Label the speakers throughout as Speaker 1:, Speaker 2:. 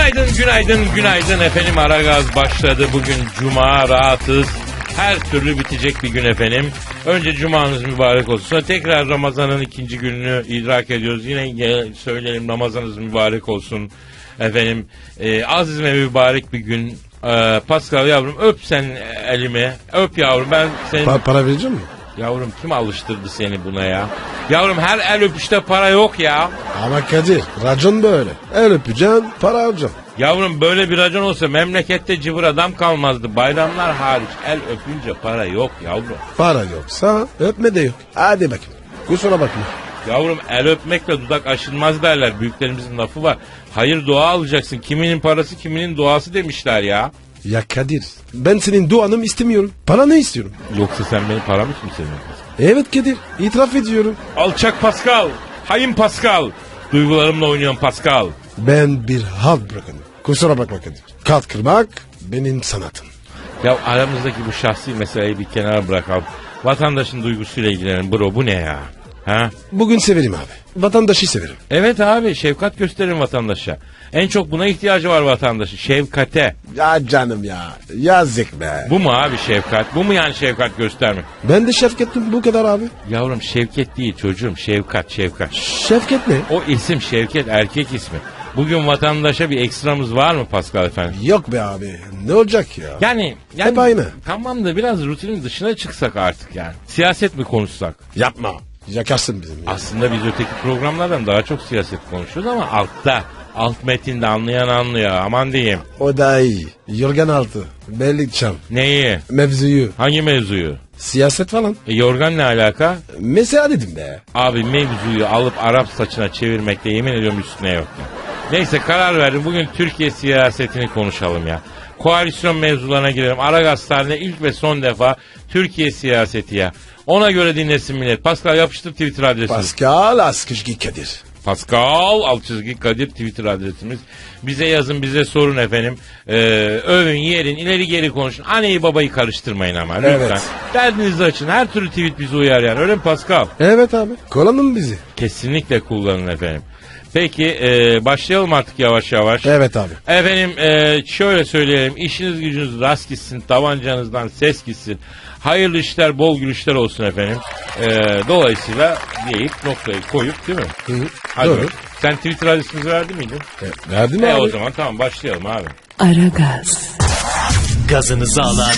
Speaker 1: Günaydın efendim. Aragaz başladı. Bugün cuma, rahatız. Her türlü bitecek bir gün efendim. Önce cumanız mübarek olsun. Sonra tekrar Ramazan'ın ikinci gününü idrak ediyoruz. Yine söyleyelim, Ramazanınız mübarek olsun efendim. Aziz ve mübarek bir gün. Pascal yavrum, öp sen elimi. Öp yavrum, ben senin...
Speaker 2: Para vereceğim mi?
Speaker 1: Yavrum, kim alıştırdı seni buna ya? Yavrum, her el öpüşte para yok ya.
Speaker 2: Ama Kadir, racon böyle. El öpeceksin, para alacaksın.
Speaker 1: Yavrum, böyle bir racon olsa memlekette cıvır adam kalmazdı. Bayramlar hariç el öpünce para yok yavrum.
Speaker 2: Para yoksa öpme de yok. Hadi bakayım. Kusura bakma.
Speaker 1: Yavrum, el öpmekle dudak aşılmaz derler. Büyüklerimizin lafı var. Hayır, dua alacaksın. Kiminin parası, kiminin duası demişler ya.
Speaker 2: Ya Kadir, ben senin duanı istemiyorum. Para ne istiyorum?
Speaker 1: Yoksa sen benim paramı mı seviyorsun?
Speaker 2: Evet Kadir, itiraf ediyorum.
Speaker 1: Alçak Pascal. Hain Pascal. Duygularımla oynuyorum Pascal.
Speaker 2: Ben bir halk bırakınım. Kusura bakma Kadir. Kalk kırmak benim sanatım.
Speaker 1: Ya aramızdaki bu şahsi meseleyi bir kenara bırakalım. Vatandaşın duygusuyla ilgilenelim bro, bu ne ya? Ha?
Speaker 2: Bugün severim abi. Vatandaşı severim.
Speaker 1: Evet abi, şefkat gösterin vatandaşa. En çok buna ihtiyacı var vatandaşın, şefkate.
Speaker 2: Ya canım ya. Yazık be.
Speaker 1: Bu mu abi şefkat? Bu mu yani şefkat göstermek?
Speaker 2: Ben de şefkattim bu kadar abi.
Speaker 1: Yavrum, Şevket değil çocuğum, şefkat.
Speaker 2: Şefkat ne?
Speaker 1: O isim Şevket, erkek ismi. Bugün vatandaşa bir ekstramız var mı Pascal efendim?
Speaker 2: Yok be abi. Ne olacak ya?
Speaker 1: Yani
Speaker 2: Hep aynı.
Speaker 1: Tamam da biraz rutinin dışına çıksak artık yani. Siyaset mi konuşsak?
Speaker 2: Yapma. Yakarsın bizim ya.
Speaker 1: Aslında biz öteki programlardan daha çok siyaset konuşuyoruz ama altta. Alt metinde anlayan anlıyor, aman diyeyim.
Speaker 2: O da iyi. Yorgan altı. Bellik çam.
Speaker 1: Neyi?
Speaker 2: Mevzuyu.
Speaker 1: Hangi mevzuyu?
Speaker 2: Siyaset falan.
Speaker 1: Yorgan ne alaka?
Speaker 2: Mesela dedim be.
Speaker 1: Abi, mevzuyu alıp Arap saçına çevirmekte yemin ediyorum üstüne yok ya. Neyse, karar verdim. Bugün Türkiye siyasetini konuşalım ya. Koalisyon mevzularına girelim. Aragaz tarihinde ilk ve son defa Türkiye siyaseti ya. Ona göre dinlesin millet. Pascal, yapıştır Twitter adresini.
Speaker 2: Pascal Askışgi Kadir.
Speaker 1: Pascal _ Kadir Twitter adresimiz. Bize yazın, bize sorun efendim. Övün, yerin, ileri geri konuşun. Anneyi babayı karıştırmayın ama lütfen.
Speaker 2: Evet.
Speaker 1: Derdinizi açın. Her türlü tweet bizi uyar yani. Öyle mi Pascal?
Speaker 2: Evet abi. Kullanın bizi.
Speaker 1: Kesinlikle kullanın efendim. Peki başlayalım artık yavaş yavaş.
Speaker 2: Evet abi.
Speaker 1: Efendim şöyle söyleyelim. İşiniz gücünüz rast gitsin. Tabancanızdan ses gitsin. Hayırlı işler, bol gülüşler olsun efendim. Dolayısıyla deyip noktayı koyup, değil mi?
Speaker 2: Hı.
Speaker 1: Hadi
Speaker 2: Doğru.
Speaker 1: bakalım. Sen Twitter adresimizi verdin miydin?
Speaker 2: Verdin mi abi?
Speaker 1: O zaman tamam, başlayalım abi.
Speaker 3: Aragaz.
Speaker 4: Gazınızı alan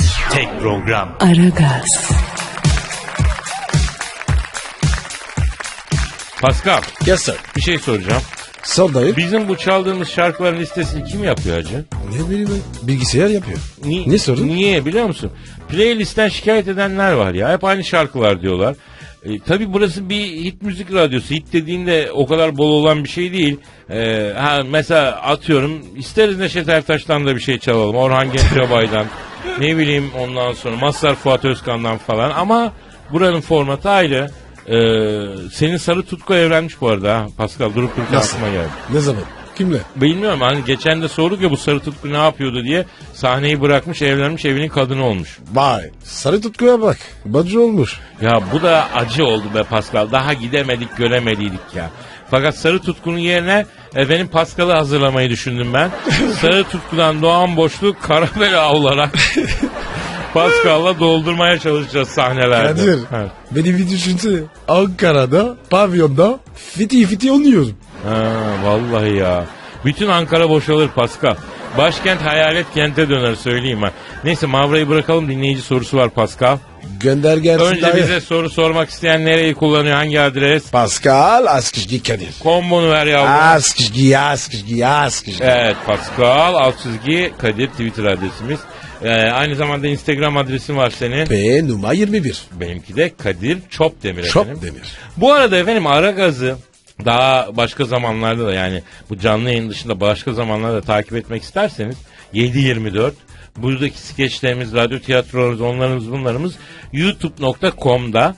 Speaker 4: tek program.
Speaker 3: Aragaz.
Speaker 1: Pascal,
Speaker 2: Yes sir.
Speaker 1: bir şey soracağım.
Speaker 2: Sor dayı.
Speaker 1: Bizim bu çaldığımız şarkıların listesini kim yapıyor hacı?
Speaker 2: Ne bileyim ben. Bilgisayar yapıyor. Ne sorun?
Speaker 1: Niye biliyor musun? Playlistten şikayet edenler var ya. Hep aynı şarkılar diyorlar. Tabii burası bir hit müzik radyosu. Hit dediğinde o kadar bol olan bir şey değil. Mesela atıyorum, isteriz Neşet Ertaş'tan da bir şey çalalım. Orhan Gencebay'dan. Ne bileyim, ondan sonra Mazhar Fuat Özkan'dan falan. Ama buranın formatı ayrı. Senin Sarı Tutku evlenmiş bu arada ha Pascal, durup dururken
Speaker 2: Nasıl?
Speaker 1: aklıma geldi.
Speaker 2: Ne zaman? Kimle?
Speaker 1: Bilmiyorum, hani geçen de sorduk ya bu Sarı Tutku ne yapıyordu diye. Sahneyi bırakmış, evlenmiş, evinin kadını olmuş.
Speaker 2: Vay. Sarı tutkuya bak. Bacı olmuş.
Speaker 1: Ya bu da acı oldu be Pascal. Daha gidemedik, göremediydik ya. Fakat Sarı Tutku'nun yerine efendim Pascal'ı hazırlamayı düşündüm ben. Sarı Tutku'dan doğan boşluk Karabela olarak Pascal'la doldurmaya çalışacağız sahnelerde.
Speaker 2: Kadir.
Speaker 1: Evet.
Speaker 2: Beni bir düşünsene. Ankara'da, pavyonda fiti oynuyorum.
Speaker 1: Ha, vallahi ya. Bütün Ankara boşalır Pascal. Başkent hayalet kente döner, söyleyeyim ha. Neyse, Mavra'yı bırakalım, dinleyici sorusu var Pascal.
Speaker 2: Gönder gelsin
Speaker 1: Önce
Speaker 2: dayı.
Speaker 1: bize soru sormak isteyen nereyi kullanıyor, hangi adres?
Speaker 2: Pascal Askışgi Kadir.
Speaker 1: Kombonu ver yavrum.
Speaker 2: Askışgi.
Speaker 1: Evet, Pascal _ Kadir Twitter adresimiz. Aynı zamanda Instagram adresin var senin.
Speaker 2: P numara 21.
Speaker 1: Benimki de Kadir Çopdemir efendim.
Speaker 2: Çopdemir.
Speaker 1: Bu arada efendim Aragaz'ı daha başka zamanlarda da, yani bu canlı yayın dışında başka zamanlarda takip etmek isterseniz 7/24 buradaki skeçlerimiz, radyo tiyatrolarımız, onlarımız bunlarımız youtube.com'da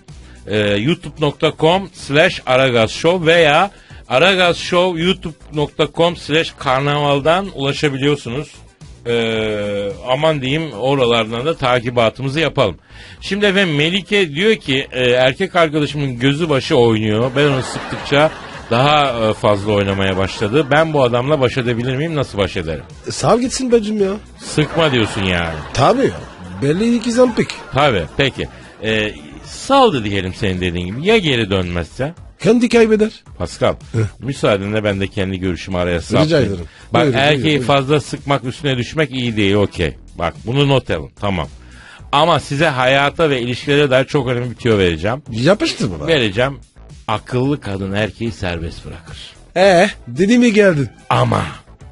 Speaker 1: youtube.com/aragazshow veya aragazshow youtube.com/karnavaldan ulaşabiliyorsunuz. Aman diyeyim, oralardan da takibatımızı yapalım. Şimdi efendim Melike diyor ki erkek arkadaşımın gözü başı oynuyor. Ben onu sıktıkça daha fazla oynamaya başladı. Ben bu adamla baş edebilir miyim? Nasıl baş ederim?
Speaker 2: Sal gitsin bacım ya.
Speaker 1: Sıkma diyorsun yani.
Speaker 2: Tabii ya. Belli iki zampik.
Speaker 1: Tabii peki. Saldı diyelim senin dediğin gibi. Ya geri dönmezse?
Speaker 2: Kendi kaybeder.
Speaker 1: Pascal, müsaadenle ben de kendi görüşümü araya saptayım.
Speaker 2: Rica ederim.
Speaker 1: Bak
Speaker 2: Buyurun,
Speaker 1: erkeği
Speaker 2: buyurun.
Speaker 1: fazla sıkmak, üstüne düşmek iyi değil, okey. Bak bunu not alın, tamam. Ama size hayata ve ilişkilere dair çok önemli bir tüyo vereceğim.
Speaker 2: Yapıştır bana.
Speaker 1: Vereceğim. Akıllı kadın erkeği serbest bırakır.
Speaker 2: Dedi mi geldin?
Speaker 1: Ama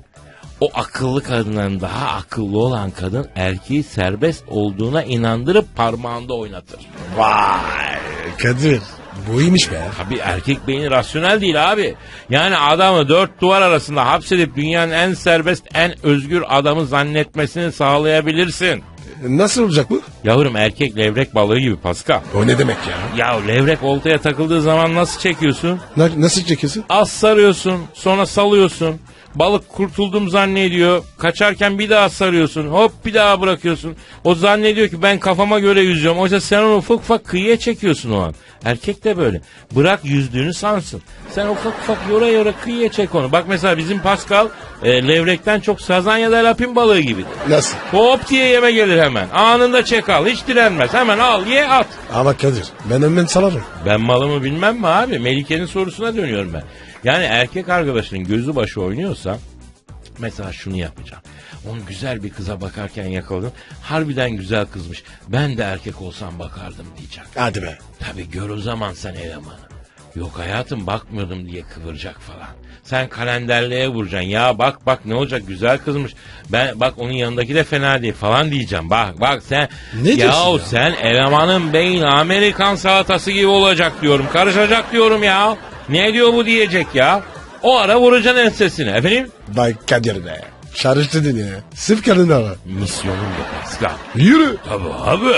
Speaker 1: o akıllı kadından daha akıllı olan kadın erkeği serbest olduğuna inandırıp parmağında oynatır.
Speaker 2: Vay Kadir. Bu iyiymiş be.
Speaker 1: Tabii erkek beyni rasyonel değil abi. Yani adamı dört duvar arasında hapsedip dünyanın en serbest, en özgür adamı zannetmesini sağlayabilirsin.
Speaker 2: Nasıl olacak bu?
Speaker 1: Yavrum erkek levrek balığı gibi Pascal.
Speaker 2: O ne demek ya?
Speaker 1: Ya levrek oltaya takıldığı zaman nasıl çekiyorsun?
Speaker 2: Nasıl çekiyorsun?
Speaker 1: Az sarıyorsun, sonra salıyorsun. Balık kurtuldum zannediyor. Kaçarken bir daha sarıyorsun. Hop bir daha bırakıyorsun. O zannediyor ki ben kafama göre yüzüyorum. Oysa sen onu ufak ufak kıyıya çekiyorsun o an. Erkek de böyle. Bırak yüzdüğünü sansın. Sen ufak ufak yora kıyıya çek onu. Bak mesela bizim Pascal levrekten çok sazan ya da lapin balığı gibidir.
Speaker 2: Nasıl?
Speaker 1: Hop diye yeme gelir hemen. Anında çek al. Hiç direnmez. Hemen al ye at.
Speaker 2: Ama Kadir ben hemen salarım.
Speaker 1: Ben malımı bilmem mi abi? Melike'nin sorusuna dönüyorum ben. Yani erkek arkadaşının gözü başı oynuyorsa mesela şunu yapacağım. Onu güzel bir kıza bakarken yakaladım. Harbiden güzel kızmış. Ben de erkek olsam bakardım diyeceğim.
Speaker 2: Hadi be.
Speaker 1: Tabii gör o zaman sen elemanı. Yok hayatım bakmıyordum diye kıvıracak falan. Sen kalenderliğe vuracaksın. Ya bak ne olacak güzel kızmış. Ben bak onun yanındaki de fena değil falan diyeceğim. Bak sen.
Speaker 2: Ne diyorsun ya?
Speaker 1: Sen elemanın beyin Amerikan salatası gibi olacak diyorum. Karışacak diyorum ya. Ne diyor bu diyecek ya. O ara vuracaksın ensesine efendim.
Speaker 2: Bay Kadir be. Çağrıştırdın ya. Sırf kadın ara.
Speaker 1: Misyonum bu Pascal.
Speaker 2: Yürü.
Speaker 1: Tabii abi.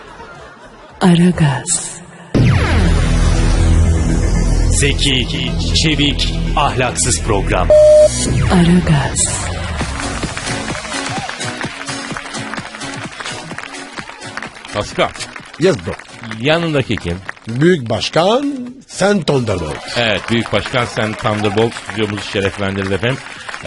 Speaker 3: Aragaz,
Speaker 4: Zeki, çevik, ahlaksız program.
Speaker 3: Aragaz,
Speaker 1: Pascal.
Speaker 2: Yes bro.
Speaker 1: Yanındaki kim?
Speaker 2: Büyük başkan sen Thunderbolt.
Speaker 1: Evet Büyük Başkan Sen Thunderbolt stüdyomuzu şereflendirdi efendim.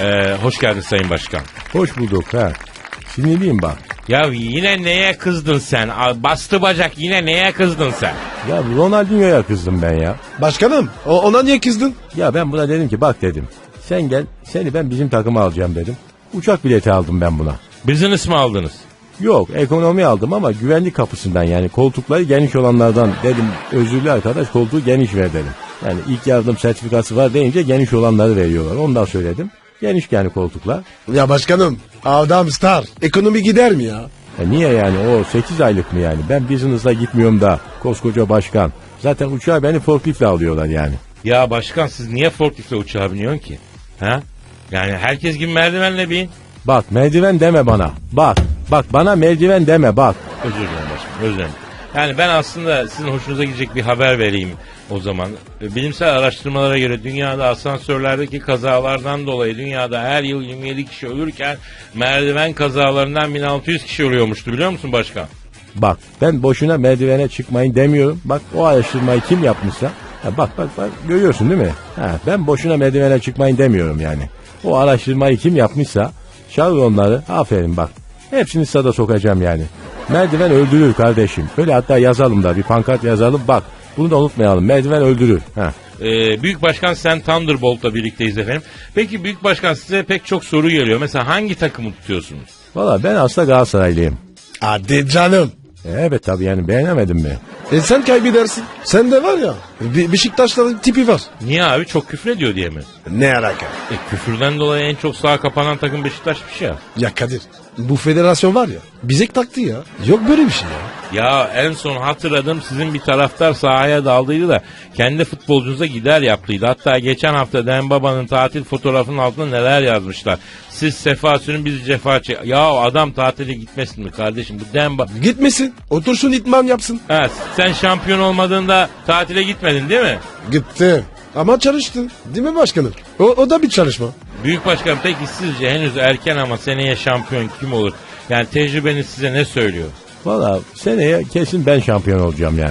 Speaker 1: Hoş geldin Sayın Başkan.
Speaker 5: Hoş bulduk ha. Sinirliyim bak.
Speaker 1: Ya yine neye kızdın sen? Bastı bacak yine neye kızdın sen?
Speaker 5: Ya Ronaldinho'ya kızdım ben ya.
Speaker 2: Başkanım ona niye kızdın?
Speaker 5: Ya ben buna dedim ki bak dedim. Sen gel seni ben bizim takıma alacağım dedim. Uçak bileti aldım ben buna.
Speaker 1: Business mi aldınız?
Speaker 5: Yok ekonomi aldım ama güvenlik kapısından yani koltukları geniş olanlardan dedim özürlü arkadaş koltuğu geniş ver dedim. Yani ilk yardım sertifikası var deyince geniş olanları veriyorlar. Ondan söyledim. Geniş yani koltuklar.
Speaker 2: Ya başkanım adam star. Ekonomi gider mi ya?
Speaker 5: Niye yani o 8 aylık mı yani? Ben business'la gitmiyorum da koskoca başkan. Zaten uçağa beni forkliftle alıyorlar yani.
Speaker 1: Ya başkan siz niye forkliftle uçağa biniyorsun ki? Ha? Yani herkes gibi merdivenle bin.
Speaker 5: Bak merdiven deme bana. Bak bana merdiven deme bak.
Speaker 1: Özür dilerim başkanım özür dilerim. Yani ben aslında sizin hoşunuza gidecek bir haber vereyim o zaman. Bilimsel araştırmalara göre dünyada asansörlerdeki kazalardan dolayı dünyada her yıl 27 kişi ölürken merdiven kazalarından 1600 kişi ölüyormuştu biliyor musun başkan?
Speaker 5: Bak ben boşuna merdivene çıkmayın demiyorum. Bak o araştırmayı kim yapmışsa. Bak görüyorsun değil mi? Ben boşuna merdivene çıkmayın demiyorum yani. O araştırmayı kim yapmışsa çağır onları aferin bak. Hepsini sada sokacağım yani. Merdiven öldürür kardeşim. Öyle hatta yazalım da bir pankart yazalım bak. Bunu da unutmayalım. Merdiven öldürür.
Speaker 1: Büyük Başkan Sen Thunderbolt'la birlikteyiz efendim. Peki Büyük Başkan size pek çok soru geliyor. Mesela hangi takımı tutuyorsunuz?
Speaker 5: Valla ben aslında Galatasaraylıyım.
Speaker 2: Hadi canım.
Speaker 5: Evet tabii yani beğenemedin mi?
Speaker 2: Sen kaybedersin. Sen de var ya Beşiktaşların tipi var.
Speaker 1: Niye abi çok küfür ediyor diye mi?
Speaker 2: Ne alaka?
Speaker 1: Küfürden dolayı en çok sağa kapanan takım Beşiktaş'mış ya.
Speaker 2: Ya Kadir bu federasyon var ya bize taktı ya. Yok böyle bir şey ya.
Speaker 1: Ya en son hatırladım sizin bir taraftar sahaya daldıydı da kendi futbolcunuza gider yaptıydı. Hatta geçen hafta Dembaba'nın tatil fotoğrafının altına neler yazmışlar. Siz sefa sürün biz cefa çek. Ya adam tatile gitmesin mi kardeşim bu Demba...
Speaker 2: Gitmesin otursun itman yapsın.
Speaker 1: Ha, sen şampiyon olmadığında tatile gitmedin değil mi?
Speaker 2: Gitti. Ama çalıştı. Değil mi başkanım? O da bir çalışma.
Speaker 1: Büyük Başkan peki sizce henüz erken ama seneye şampiyon kim olur? Yani tecrübeniz size ne söylüyor?
Speaker 5: Valla seneye kesin ben şampiyon olacağım yani.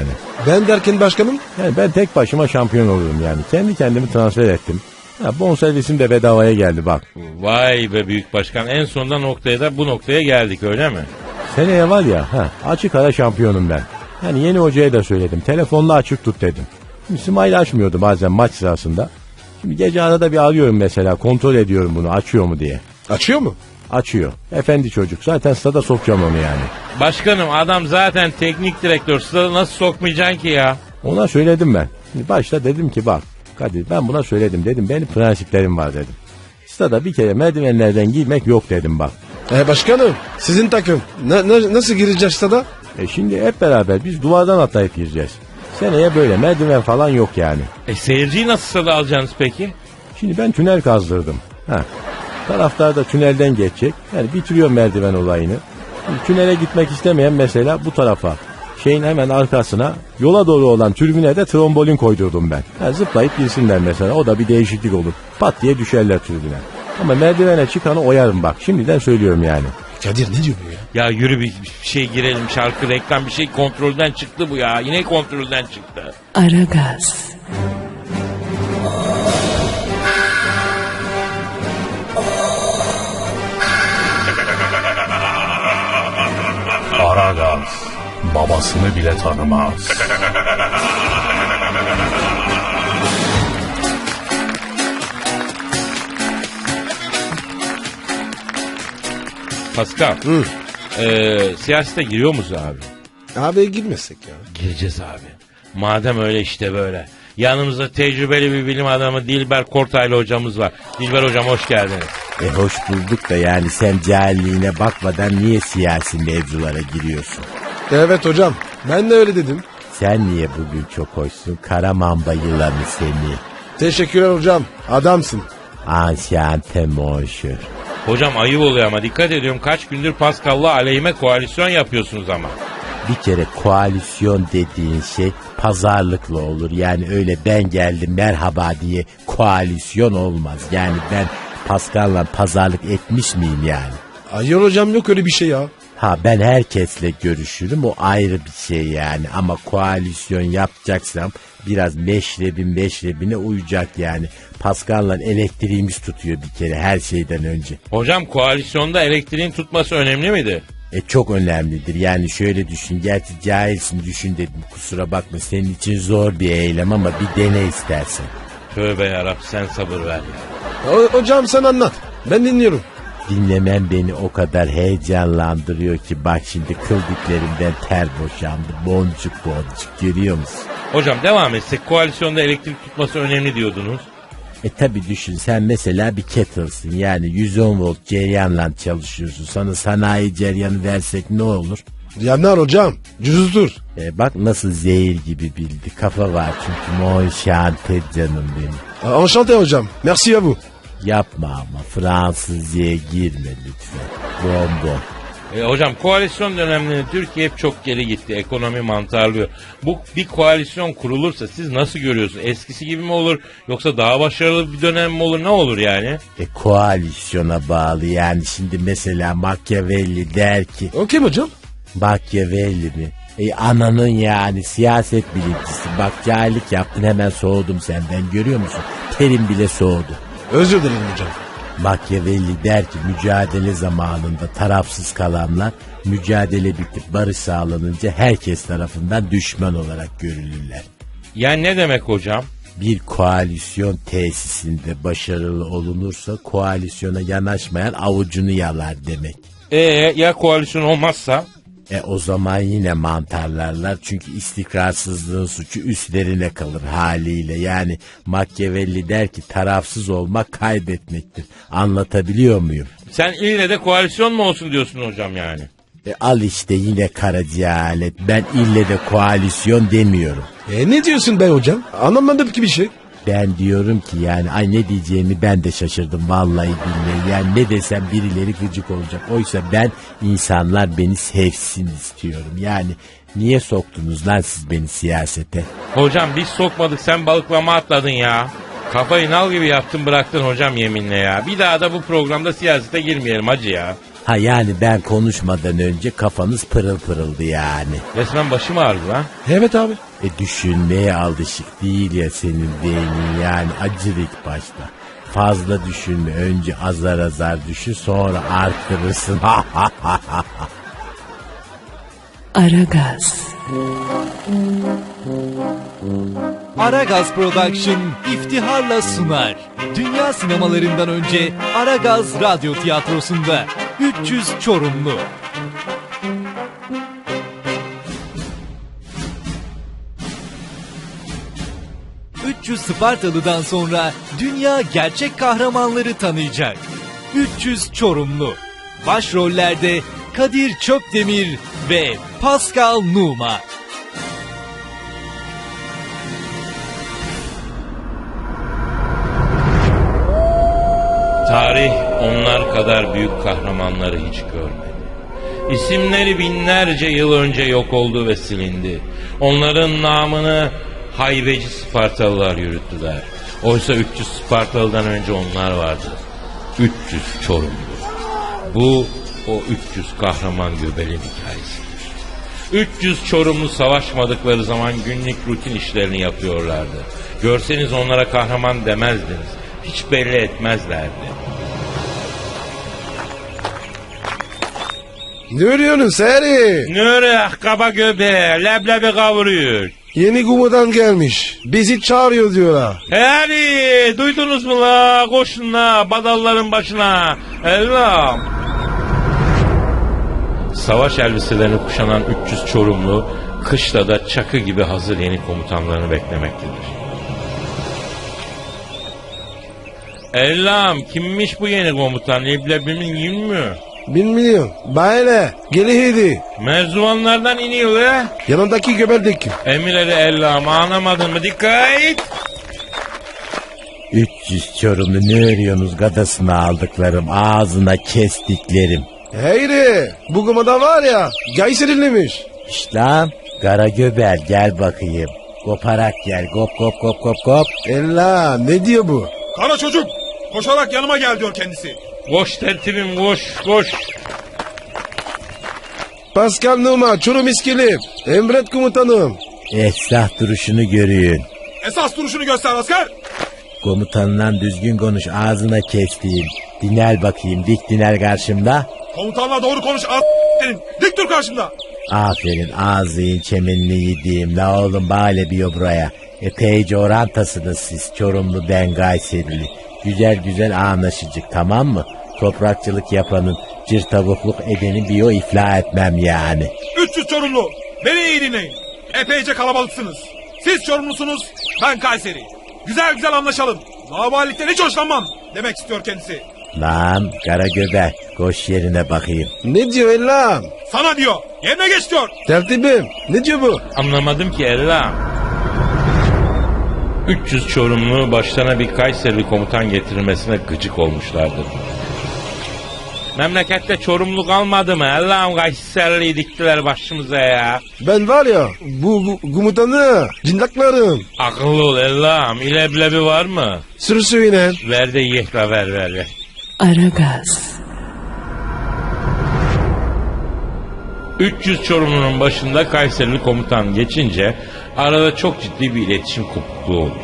Speaker 2: Ben derken başkanım?
Speaker 5: Yani ben tek başıma şampiyon olurum yani. Kendi kendimi transfer ettim. Bonservisim de bedavaya geldi bak.
Speaker 1: Vay be büyük başkan, en sonunda bu noktaya geldik öyle mi?
Speaker 5: Seneye var ya açık ara şampiyonum ben. Yani yeni hocaya da söyledim. Telefonla açık tut dedim. Şimdi İsmail açmıyordu bazen maç sırasında. Şimdi gece arada bir arıyorum mesela, kontrol ediyorum bunu açıyor mu diye.
Speaker 2: Açıyor mu?
Speaker 5: Açıyor. Efendi çocuk. Zaten stada sokacağım onu yani.
Speaker 1: Başkanım adam zaten teknik direktör, stada nasıl sokmayacaksın ki ya?
Speaker 5: Ona söyledim ben. Şimdi başta dedim ki bak Kadir, ben buna söyledim dedim. Benim prensiplerim var dedim. Stada bir kere merdivenlerden girmek yok dedim bak.
Speaker 2: Başkanım sizin takım nasıl girecek stada?
Speaker 5: Şimdi hep beraber biz duvardan atlayıp gireceğiz. Seneye böyle merdiven falan yok yani.
Speaker 1: Seyirciyi nasıl stada alacaksınız peki?
Speaker 5: Şimdi ben tünel kazdırdım. Taraftar da tünelden geçecek. Yani bitiriyor merdiven olayını. Şimdi tünele gitmek istemeyen mesela bu tarafa, şeyin hemen arkasına, yola doğru olan tribüne de trombolin koydurdum ben. Zıplayıp girsinler mesela, o da bir değişiklik olur. Pat diye düşerler tribüne. Ama merdivene çıkanı oyarım bak, şimdiden söylüyorum yani.
Speaker 2: Kadir ne diyor bu ya?
Speaker 1: Ya yürü bir şey girelim, şarkı, reklam, bir şey kontrolden çıktı bu ya. Yine kontrolden çıktı.
Speaker 3: Aragaz.
Speaker 4: Aragaz babasını bile tanımaz.
Speaker 1: Pascal. Siyasete giriyor muyuz abi?
Speaker 2: Abi girmesek ya.
Speaker 1: Gireceğiz abi. Madem öyle işte böyle. Yanımızda tecrübeli bir bilim adamı Dilber Kortaylı hocamız var. Dilber hocam hoş geldiniz.
Speaker 5: Hoş bulduk da yani sen cahilliğine bakmadan niye siyasi mevzulara giriyorsun?
Speaker 2: Evet hocam ben de öyle dedim.
Speaker 5: Sen niye bugün çok hoşsun? Karamamba yılanı seni.
Speaker 2: Teşekkürler hocam adamsın.
Speaker 5: Anşante monşur.
Speaker 1: Hocam ayıp oluyor ama dikkat ediyorum, kaç gündür Pascal'la aleyhime koalisyon yapıyorsunuz ama.
Speaker 5: Bir kere koalisyon dediğin şey pazarlıkla olur. Yani öyle ben geldim merhaba diye koalisyon olmaz. Yani ben Pascal'la pazarlık etmiş miyim yani?
Speaker 2: Hayır hocam yok öyle bir şey ya.
Speaker 5: Ben herkesle görüşürüm, o ayrı bir şey yani. Ama koalisyon yapacaksam biraz meşrebine uyacak yani. Pascal'la elektriğimiz tutuyor bir kere her şeyden önce.
Speaker 1: Hocam koalisyonda elektriğin tutması önemli miydi?
Speaker 5: Çok önemlidir. Yani şöyle düşün. Gerçi cahilsin, düşün dedim. Kusura bakma, senin için zor bir eylem ama bir dene istersen.
Speaker 1: Tövbe yarabbim, sen sabır ver ya.
Speaker 2: Hocam sen anlat. Ben dinliyorum.
Speaker 5: Dinlemen beni o kadar heyecanlandırıyor ki bak şimdi kıl diklerimden ter boşandı. Boncuk boncuk, görüyor musun?
Speaker 1: Hocam devam etsek, koalisyonda elektrik tutması önemli diyordunuz.
Speaker 5: Tabi düşün, sen mesela bir kettle'sın, yani 110 volt cereyanla çalışıyorsun. Sana sanayi cereyanı versek ne olur?
Speaker 2: Yanar hocam cüzdür.
Speaker 5: Bak nasıl zehir gibi bildi, kafa var çünkü. Mon şante canım benim.
Speaker 2: Enchanté hocam merci à vous.
Speaker 5: Yapma ama Fransızca'ya girme lütfen. Bonbon.
Speaker 1: Hocam koalisyon dönemlerinde Türkiye hep çok geri gitti. Ekonomi mantarlıyor. Bu bir koalisyon kurulursa siz nasıl görüyorsunuz? Eskisi gibi mi olur? Yoksa daha başarılı bir dönem mi olur? Ne olur yani?
Speaker 5: Koalisyona bağlı yani. Şimdi mesela Machiavelli der ki.
Speaker 2: O kim hocam?
Speaker 5: Machiavelli mi? Ananın yani, siyaset bilimcisi. Bak cahillik yaptın, hemen soğudum senden, görüyor musun? Terim bile soğudu.
Speaker 2: Özür dilerim hocam.
Speaker 5: Machiavelli der ki mücadele zamanında tarafsız kalanlar mücadele bitip barış sağlanınca herkes tarafından düşman olarak görülürler.
Speaker 1: Yani ne demek hocam?
Speaker 5: Bir koalisyon tesisinde başarılı olunursa koalisyona yanaşmayan avucunu yalar demek.
Speaker 1: Ya koalisyon olmazsa?
Speaker 5: O zaman yine mantarlarlar, çünkü istikrarsızlığın suçu üstlerine kalır haliyle. Yani Machiavelli der ki tarafsız olmak kaybetmektir. Anlatabiliyor muyum?
Speaker 1: Sen ille de koalisyon mu olsun diyorsun hocam yani?
Speaker 5: Al işte yine karacihalet. Ben ille de koalisyon demiyorum.
Speaker 2: Ne diyorsun be hocam? Anlamadım ki bir şey.
Speaker 5: Ben diyorum ki yani ne diyeceğimi ben de şaşırdım vallahi billahi. Yani ne desem birileri gıcık olacak. Oysa ben insanlar beni sevsin istiyorum. Yani niye soktunuz lan siz beni siyasete?
Speaker 1: Hocam biz sokmadık, sen balıklama atladın ya. Kafayı nal gibi yaptın bıraktın hocam yeminle ya. Bir daha da bu programda siyasete girmeyelim hacı ya.
Speaker 5: Ha yani ben konuşmadan önce kafanız pırıl pırıldı yani.
Speaker 1: Resmen başım ağrıdı lan.
Speaker 2: Evet abi.
Speaker 5: Düşünmeye alışık değil ya senin beynin yani acır ilk başta. Fazla düşünme, önce azar azar düşün, sonra arttırırsın.
Speaker 3: Aragaz,
Speaker 6: Aragaz Production iftiharla sunar. Dünya sinemalarından önce Aragaz Radyo Tiyatrosu'nda 300 Çorumlu. ...300 Spartalı'dan sonra dünya gerçek kahramanları tanıyacak. 300 Çorumlu. Başrollerde Kadir Çöpdemir ve Pascal Numa.
Speaker 1: Tarih onlar kadar büyük kahramanları hiç görmedi. İsimleri binlerce yıl önce yok oldu ve silindi. Onların namını haybeci Spartalılar yürüttüler. Oysa 300 Spartalı'dan önce onlar vardı. 300 Çorumlu. Bu o 300 kahraman göbelin hikayesidir. 300 Çorumlu savaşmadıkları zaman günlük rutin işlerini yapıyorlardı. Görseniz onlara kahraman demezdiniz. Hiç belli etmezlerdi.
Speaker 2: Ne örüyorsun Seri?
Speaker 1: Nöre kaba göbeğe leblebi kavuruyor.
Speaker 2: Yeni kumadan gelmiş. Bizi çağırıyor diyorlar.
Speaker 1: Hadi duydunuz mu la? Koşun la badalların başına. Ellam. Savaş elbiselerini kuşanan 300 Çorumlu kışla da çakı gibi hazır yeni komutanlarını beklemektedir. Ellam kimmiş bu yeni komutan? Leblebimin yün mü?
Speaker 2: Bilmiyorum. Böyle. Gelihiydi.
Speaker 1: Merzuvanlardan iniyor ya.
Speaker 2: Yanındaki göbeldeki.
Speaker 1: Emirleri Ellam anlamadın mı? Dikkat!
Speaker 5: 300 Çorumlu ne örüyorsunuz gadasını aldıklarım, ağzına kestiklerim.
Speaker 2: Heyri. Bu kumada var ya. Gayseriliymiş.
Speaker 5: İşte kara göbel gel bakayım. Koparak gel kop kop kop kop kop.
Speaker 2: Ella ne diyor bu?
Speaker 7: Kara çocuk koşarak yanıma gel diyor kendisi.
Speaker 1: Koş tertibim koş koş.
Speaker 2: Pascal Numa, Çorum İskilip. Emret komutanım.
Speaker 5: Esrah duruşunu görüyün.
Speaker 7: Esas duruşunu göster asker.
Speaker 5: Komutanla düzgün konuş ağzına kestiğim. Dinel bakayım dik dinel karşımda.
Speaker 7: Komutanla doğru konuş senin. Dik dur karşımda.
Speaker 5: Aferin ağzıyın çemenini yediğim. La oğlum bale biyo buraya. Epeyce orantasınız siz Çorumlu ben Gayserili. Güzel güzel anlaşıcık tamam mı? Toprakçılık yapanın cır tavukluk edeni biyo iflah etmem yani.
Speaker 7: 300 Çorumlu beni iyi dinleyin. Epeyce kalabalıksınız. Siz Çorumlusunuz ben Kayseri. Güzel güzel anlaşalım. Laubalilikten hiç hoşlanmam demek istiyor kendisi.
Speaker 5: Lan kara göbek koş yerine bakayım.
Speaker 2: Ne diyor Ella?
Speaker 7: Sana diyor yerine geç diyor.
Speaker 2: Tertibim. Ne diyor bu?
Speaker 1: Anlamadım ki Ellam. 300 Çorumlu başlarına bir Kayserili komutan getirilmesine gıcık olmuşlardı. Memlekette Çorumlu kalmadı mı? Allah'ım Kayserili'yi diktiler başımıza ya.
Speaker 2: Ben var ya bu komutanı cindaklarım.
Speaker 1: Akıllı ol Allah'ım. İleblebi var mı?
Speaker 2: Sürüsüyle.
Speaker 1: Ver de yiyek la ver.
Speaker 3: Aragaz,
Speaker 1: 300 Çorumlu'nun başında Kayserili komutan geçince arada çok ciddi bir iletişim kopukluğu olur.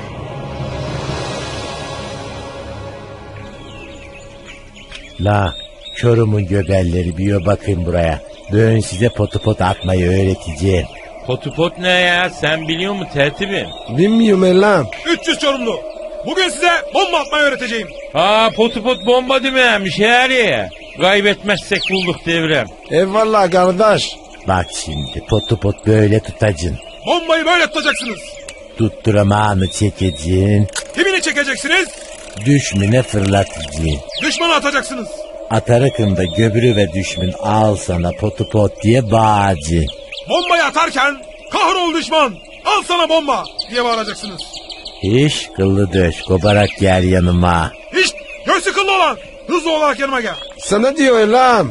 Speaker 5: La Çorum'un göbelleri biyo bakın buraya. Ben size potu pot atmayı öğreteceğim.
Speaker 1: Potupot ne ya? Sen biliyor musun tertibim?
Speaker 2: Bilmiyorum Ella.
Speaker 7: 300 Çorumlu bugün size bomba atmayı öğreteceğim.
Speaker 1: Potupot bomba dememiş her. Kaybetmezsek bulduk devrem.
Speaker 2: Eyvallah kardeş.
Speaker 5: Bak şimdi potu pot böyle tutacın.
Speaker 7: Bombayı böyle tutacaksınız.
Speaker 5: Tutturamağını çekeceksin.
Speaker 7: Kimini çekeceksiniz?
Speaker 5: Düşmüne fırlatacaksın.
Speaker 7: Düşmana atacaksınız.
Speaker 5: Atarakında göbürü ve düşmün al sana potu pot diye bağıracaksın.
Speaker 7: Bombayı atarken kahrol düşman al sana bomba diye bağıracaksınız.
Speaker 5: Hiç kıllı döş koparak gel yanıma.
Speaker 7: Hiç göğsü kıllı olan hızlı olarak yanıma gel.
Speaker 2: Sana diyor Ella.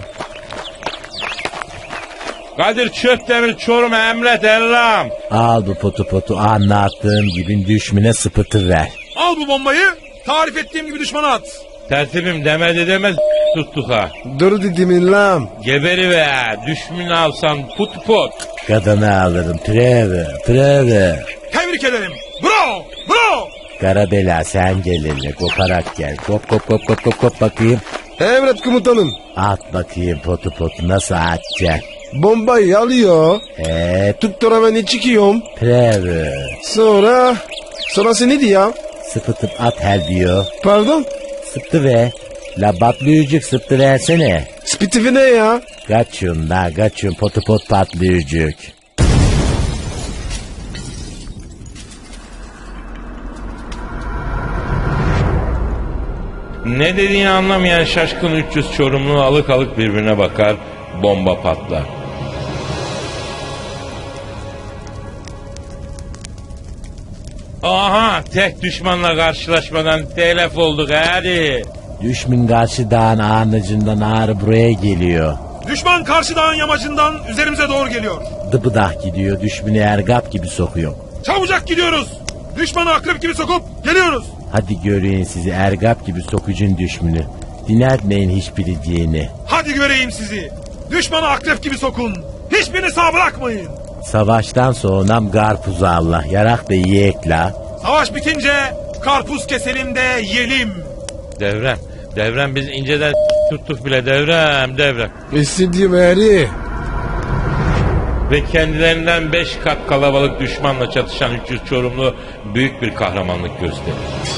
Speaker 1: Kadir Çöpdemir Çorum'a emret Ellam.
Speaker 5: Al bu potu potu anlattığım gibi düşmüne sıpıtı ver.
Speaker 7: Al bu bombayı tarif ettiğim gibi düşmana at.
Speaker 1: Tertibim demedi demez tuttuk ha.
Speaker 2: Dur dedim lan.
Speaker 1: Geberi ve düşmünü alsan put put.
Speaker 5: Kadını alırım. Trevor.
Speaker 7: Tebrik ederim. Bravo. Bravo.
Speaker 5: Karabela sen gel hele. Koparak gel. Kop bakayım.
Speaker 2: Emret komutanım.
Speaker 5: At bakayım potu nasıl atacak?
Speaker 2: Bombayı alıyor. Tutturamani çıkıyorum.
Speaker 5: Trevor.
Speaker 2: Sonrası neydi ya?
Speaker 5: Sıpıtıp at her diyor.
Speaker 2: Pardon?
Speaker 5: Sıptı ve. La batlıyıcık sıptı versene.
Speaker 2: Spitifi ne ya?
Speaker 5: Kaçın potu patlıyıcık.
Speaker 1: Ne dediğini anlamayan şaşkın 300 Çorumlu alık alık birbirine bakar, bomba patlar. Aha, tek düşmanla karşılaşmadan telef olduk hadi.
Speaker 5: Düşmün karşı dağın ağrıcından ağrı buraya geliyor.
Speaker 7: Düşman karşı dağın yamacından üzerimize doğru geliyor.
Speaker 5: Dıbıdah gidiyor düşmünü ergap gibi sokuyor.
Speaker 7: Çabucak gidiyoruz. Düşmanı akrep gibi sokup geliyoruz.
Speaker 5: Hadi göreyim sizi ergap gibi sokucun düşmünü. Dinletmeyin hiçbiri diyeni.
Speaker 7: Hadi göreyim sizi. Düşmanı akrep gibi sokun. Hiçbirini sağ bırakmayın.
Speaker 5: Savaştan sonra karpuzu Allah yarak da yiyek la.
Speaker 7: Savaş bitince karpuz keselim de yiyelim.
Speaker 1: Devrem biz inceden tuttuk bile devrem.
Speaker 2: İstediğim eri.
Speaker 1: Ve kendilerinden 5 kat kalabalık düşmanla çatışan 300 Çorumlu büyük bir kahramanlık gösterir.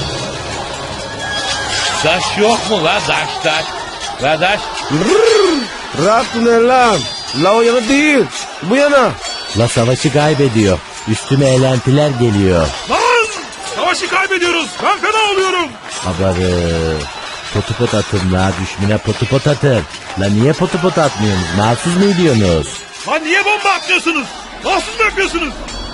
Speaker 1: Daş yok mu la daş? La daş.
Speaker 2: Rahat ne lan? La o yana değil. Bu yana.
Speaker 5: La savaşı kaybediyor. Üstüme eğlentiler geliyor.
Speaker 7: Lan! Savaşı kaybediyoruz. Ben fena oluyorum.
Speaker 5: Habarı. Potu atın la düşmüne potu atın. La niye potu atmıyorsunuz? Mahsus mu ediyorsunuz?
Speaker 7: Lan niye bomba atmıyorsunuz? Mahsus mu yapıyorsunuz?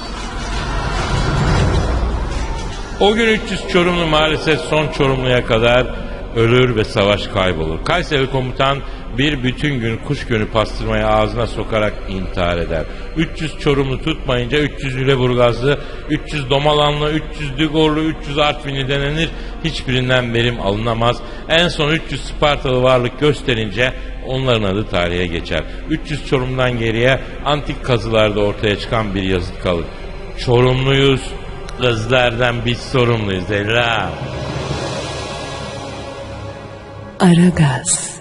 Speaker 1: O gün 300 Çorumlu maalesef son Çorumlu'ya kadar ölür ve savaş kaybolur. Kayseri komutan bir bütün gün kuş gönü pastırmayı ağzına sokarak intihar eder. 300 Çorumlu tutmayınca 300 Lüleburgazlı, 300 Domalanlı, 300 Digorlu, 300 Artvinli denenir. Hiçbirinden verim alınamaz. En son 300 Spartalı varlık gösterince onların adı tarihe geçer. 300 Çorum'dan geriye antik kazılarda ortaya çıkan bir yazıt kalır. Çorumluyuz, kızlardan biz sorumluyuz Ella.
Speaker 3: Aragaz.